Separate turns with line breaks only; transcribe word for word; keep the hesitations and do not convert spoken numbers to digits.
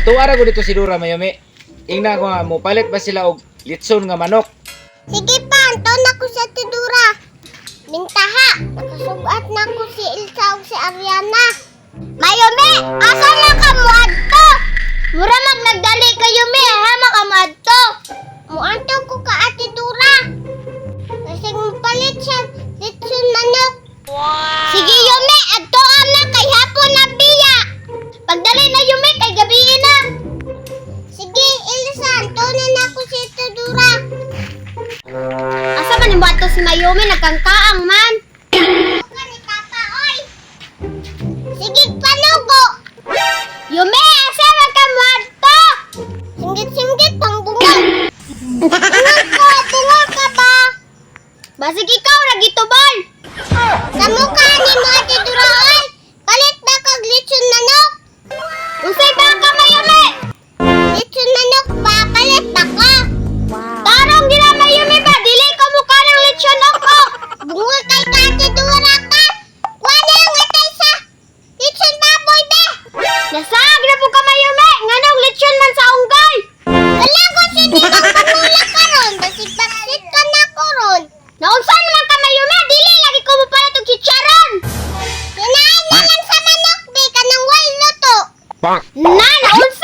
Natuwa ra ko dito si Dura Mayumi. Ingna ko nga mo palit ba sila og litson nga manok.
Sige pa, anton na ko sa Tidura. Mintaha, nakasugat na ko si Ilsa ug si Ariana. Mayumi, asa na ka mo adto? Mura mag nagdali ka Yumi, ha mga madto. Muanto ko ka Ate Dura. Kasi mo palit siya litson manok. Wow. Sige Yumi, adto na kay hapon na biya. Pagdali na Yumi kay gabi na. Sige Ilsa, anton na ko si Tidura. Asa man yung bato si Mayumi, nagkangkaang man. Ni Papa, oy. Sige, panugo. Yume, asa man ka bato? Singgit-singgit, pang bunga. Bunga ka, bunga ka ba? Basig ikaw, nagitubal. Sa mukha ni mo, Ate Dura, oy. Palit ba kag litson manok? Unsay ba ka, Mayumi? Litson manok ba? Palit ba ka? Tarong gina Mayumi ba? Dili ka mukha ng lechon ako. Bunga kay ka, Ate Dura ka. Wala ang atay sa lechon baboy be. Nasag na po ka Mayumi. Nganong lechon man sa unggay. Wala ko siya di magpamula ka ron. Basig-basig ka na ko ron. Naunsan man ka Mayumi. Dili lagi ko mo pala itong chicharon. Kinain na lang sa manok be. Kanang way luto. Na, naunsan.